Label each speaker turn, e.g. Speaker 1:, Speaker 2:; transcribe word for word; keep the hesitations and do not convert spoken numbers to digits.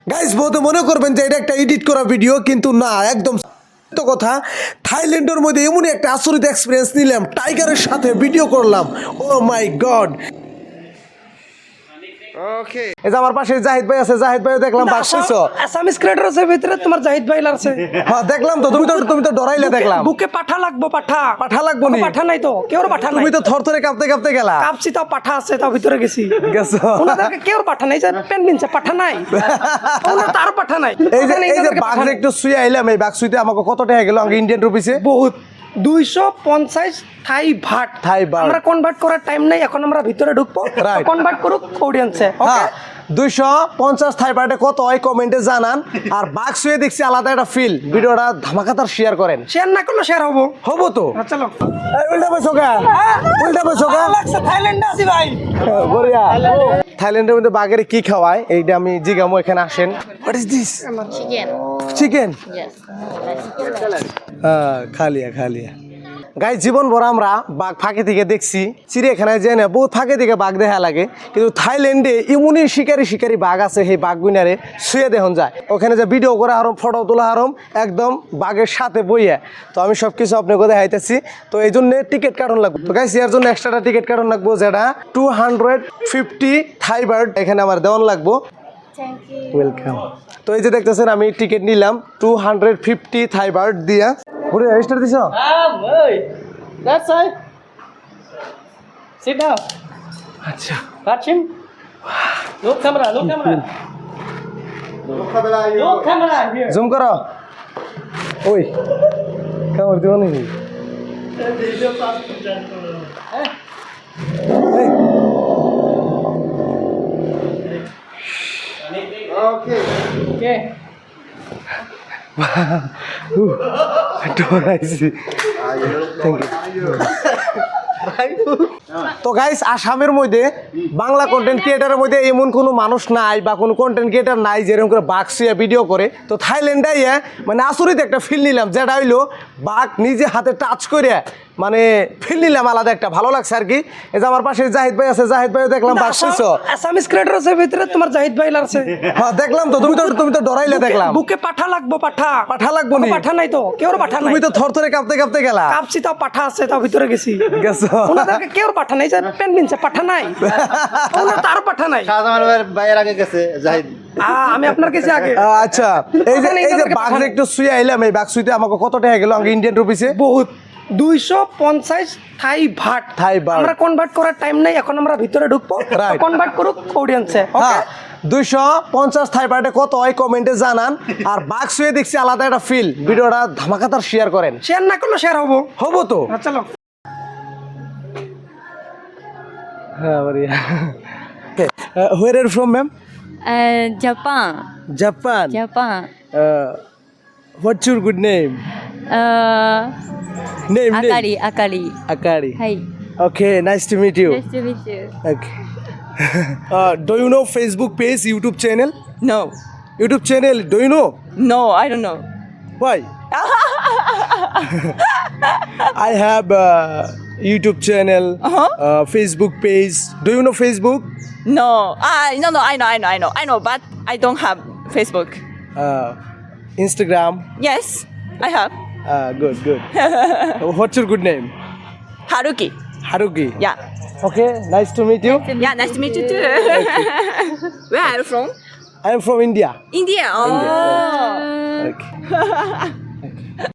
Speaker 1: Guys বহুত মনে করবেন যে এটা একটা এডিট করা ভিডিও, কিন্তু না, একদম সত্য কথা। থাইল্যান্ডের মধ্যে এমনই একটা আচরিত এক্সপিরিয়েন্স নিলাম, টাইগারের সাথে ভিডিও করলাম। ও মাই গড। ওকে, এই যে আমার পাশে জাহিদ ভাই আছে, জাহিদ ভাইও দেখলাম বাস কইছো।
Speaker 2: আসামিস ক্রিয়েটরসের ভিতরে তোমার জাহিদ ভাই আছে।
Speaker 1: হ্যাঁ দেখলাম তো, তুমি তো তুমি তো ডরাইলে দেখলাম।
Speaker 2: বুকে পাঠা লাগবো, পাঠা
Speaker 1: পাঠা লাগবো নি?
Speaker 2: পাঠা নাই তো, কেউ পাঠা নাই।
Speaker 1: তুমি তো থরথরে কাঁপতে কাঁপতে গেলা।
Speaker 2: কাঁপছি, তাও পাঠা আছে, তাও ভিতরে গেছি।
Speaker 1: গেছো?
Speaker 2: ওনাদেরকে কেউ পাঠা নাই, যে পেন বিনছে পাঠা নাই, ওনার তার পাঠা নাই।
Speaker 1: এই যে এই যে বাঘ একটু শুয়ে আইলাম, এই বাঘ শুইতে আমাকে কত টাকা গেল আগে ইন্ডিয়ান রুপিসে?
Speaker 2: বহুত দুইশো পঞ্চাশ থাই ভাট।
Speaker 1: Thai baht.
Speaker 2: আমরা কনভার্ট করার টাইম নাই, এখন আমরা ভিতরে ঢুকবো, কনভার্ট করুক অডিয়েন্সে। ওকে,
Speaker 1: দুইশো পঞ্চাশ থাই বাটে কত হয় কমেন্টে জানান। আর বাঘ শুয়ে দেখছি আলাদা একটা ফিল। ভিডিওটা ধামাকাতার শেয়ার করেন।
Speaker 2: শেয়ার না করলে শেয়ার হবো
Speaker 1: হবো তো।
Speaker 2: চলো,
Speaker 1: এই উল্টা বসো গা, উল্টা বসো গা।
Speaker 2: থাইল্যান্ডে আছি ভাই।
Speaker 1: বড়িয়া। থাইল্যান্ডের মধ্যে বাঘের কি খাওয়ায় এইটা আমি জিগামো, এখানে আসেন। What is this?
Speaker 3: Chicken.
Speaker 1: Chicken.
Speaker 3: Yes.
Speaker 1: হ্যাঁ, খালিয়া খালিয়া। গাই জীবন ভর আমরা বাঘ ফাঁকে থেকে দেখছি, চিড়িয়াখানায় যে না বহুত ফাঁকে থেকে বাঘ দেখা লাগে, কিন্তু থাইল্যান্ডে এমনই শিকারি শিকারি বাঘ আছে, সেই বাঘ গুইনারে শুয়ে দেখুন যায়। ওখানে যে ভিডিও করা হারম, ফটো তোলা হারম, একদম বাঘের সাথে বইয়া। তো আমি সব কিছু আপনাকে দেখাইতেছি। তো এই জন্য টিকিট কাটন লাগবে। তো গাইস এর জন্য এক্সট্রা টিকিট কাটন লাগবো, যেটা two hundred fifty Thai baht এখানে আমার দেওয়ান লাগবো।
Speaker 3: Thank you.
Speaker 1: ওয়েলকাম। তো এই যে দেখতেছেন আমি টিকিট নিলাম two hundred fifty Thai baht দিয়া। পুরো রেজিস্টার দিছ?
Speaker 4: Um, hey, that's it. Sit down.
Speaker 1: আচ্ছা,
Speaker 4: Touch him. Look camera, look camera. Look camera here.
Speaker 1: Zoom করো। ওই কামড় দিব নাকি? এই।
Speaker 4: Okay.
Speaker 1: উহ, ডরাইছি। Thank you. তো গাইস আসামের মধ্যে বাংলা কন্টেন্ট ক্রিয়েটারের মধ্যে এমন কোনো মানুষ নাই বা কোনো কন্টেন্ট ক্রিয়েটার নাই যেরকম করে বাঘ শুয়ে ভিডিও করে। তো থাইল্যান্ডে ইয়ে মানে আচরিত একটা ফিল নিলাম, যেটা হইলো বাঘ নিজে হাতে টাচ করে মানে ফিল নিলাম আলাদা একটা, ভালো লাগছে আর কি। এই যে আমার পাশে জাহিদ ভাই আছে, জাহিদ ভাইও দেখলাম বাঘ শুইছো।
Speaker 2: আসামিস ক্রিয়েটরসের ভিতরে তোমার জাহিদ ভাই আছে।
Speaker 1: হ্যাঁ দেখলাম তো, তুমি তো তুমি তো ডরাইলে দেখলাম।
Speaker 2: বুকে পাঠা লাগবো, পাঠা
Speaker 1: পাঠা লাগবো নি?
Speaker 2: পাঠা নাই তো, কেউ পাঠা নাই।
Speaker 1: তুমি তো থরথরে কাঁপতে কাঁপতে গেলা।
Speaker 2: কাঁপছি, তাও পাঠা আছে, তাও ভিতরে গেছি।
Speaker 1: গেছো?
Speaker 2: ওনাদেরকে কেউ পাঠা নাই, যে পেন বিনছে পাঠা নাই, ওনার তার পাঠা নাই।
Speaker 5: শাহজামান ভাইয়ের আগে গেছে জাহিদ।
Speaker 2: আহ, আমি আপনার কাছে আগে।
Speaker 1: আচ্ছা, এই যে এই যে বাঘ একটু শুয়ে আইলাম, এই বাঘ শুইতে আমাকে কত টাকা গেল আগে ইন্ডিয়ান রুপিসে?
Speaker 2: বহুত দুইশো পঞ্চাশ থাই ভাট।
Speaker 1: Thai baht.
Speaker 2: আমরা কনভার্ট করার টাইম নাই, এখন আমরা ভিতরে ঢুকবো, কনভার্ট করুক অডিয়েন্সে। ওকে,
Speaker 1: দুইশো পঞ্চাশ থাই বাটে কত হয় কমেন্টে জানান। আর বাঘ শুয়ে দেখছি আলাদা একটা ফিল। ভিডিওটা ধামাকাতার শেয়ার করেন।
Speaker 2: শেয়ার না করলে শেয়ার হবো
Speaker 1: হবো তো।
Speaker 2: চলো।
Speaker 1: হ্যাঁ বড়িয়া। Where are you from, ma'am?
Speaker 3: Uh, Japan.
Speaker 1: Japan.
Speaker 3: Japan.
Speaker 1: Uh, what's your good name?
Speaker 3: Uh,
Speaker 1: Name, name.
Speaker 3: Akari. Akari.
Speaker 1: Akari.
Speaker 3: Hi.
Speaker 1: Okay, nice to meet you.
Speaker 3: Nice to meet you.
Speaker 1: Okay. uh, do you know Facebook page, YouTube channel?
Speaker 6: No,
Speaker 1: YouTube channel, do you know?
Speaker 6: no, I don't know.
Speaker 1: Why? I have a YouTube channel,
Speaker 6: Uh-huh.
Speaker 1: uh, Facebook page. Do you know Facebook?
Speaker 6: No, ah, no, no, I know, I know, I know, I know, but I don't have Facebook.
Speaker 1: Uh, Instagram.
Speaker 6: Yes, I have.
Speaker 1: Uh, good, good. What's your good name?
Speaker 6: Haruki.
Speaker 1: Haruki.
Speaker 6: Yeah.
Speaker 1: Okay, nice to meet you.
Speaker 6: Yeah, nice to meet you too. Where are you from?
Speaker 1: I am from India.
Speaker 6: India. Oh.
Speaker 1: Okay.